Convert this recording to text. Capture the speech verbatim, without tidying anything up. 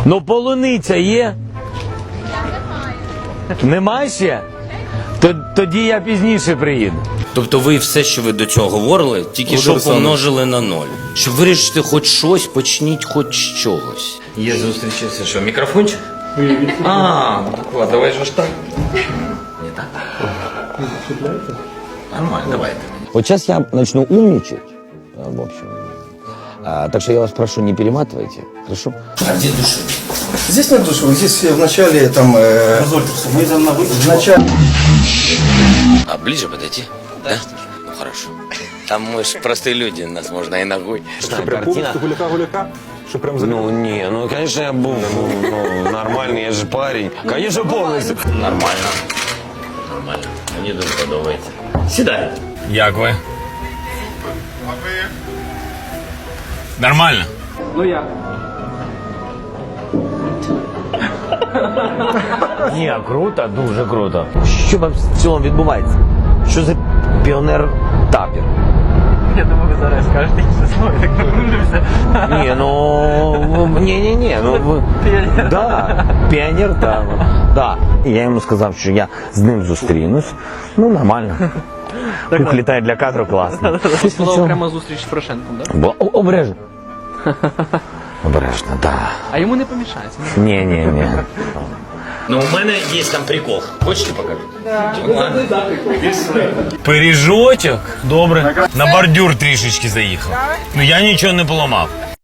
Ну, полуниця є? Немає ще? Тоді я пізніше приїду. Тобто ви все, що ви до цього говорили, тільки що помножили на ноль. Щоб вирішити хоч щось, почніть хоч з чогось. Є зустрічався, що, мікрофончик? А, ну так ладно, давай же ж так. Не так? Нормально, давайте. Вот сейчас я начну умничать, в общем. А, так что я вас прошу, не перематывайте, хорошо? А где души? Здесь нет душевых, здесь в начале там... Э, мы там на в начале... А ближе подойти? Да? Ну хорошо. Там мы же простые люди, нас можно и ногой. Картина? Гуляка-гуляка? Що прям за... Ну, не, ну, конечно, я был ну, нормальный, я же парень. Конечно, полностью. Нормально. Нормально. Мені дуже подобається. Сідай. Як ви? Нормально. Ну я. Ні, круто, дуже круто. Що вам в цілому відбувається? Що за піонер-тапір? Я думаю, ви зараз скажете інше слово, так напружився. Ні, ну, ні-ні-ні, ну, ви... Піонер. Да, піонер, да, да. І я йому сказав, що я з ним зустрінусь. Ну, нормально. Пух літає для кадру, класно. Була окрема зустріч з Порошенком, так? Бо, о- обережно. Обережно, так. А йому не помішається. Ні-ні-ні. Ну, у мене є там прикол. Хочете покажу? Да. Пиріжочок? Добре. На бордюр трішечки заїхав. Ну, я нічого не поламав.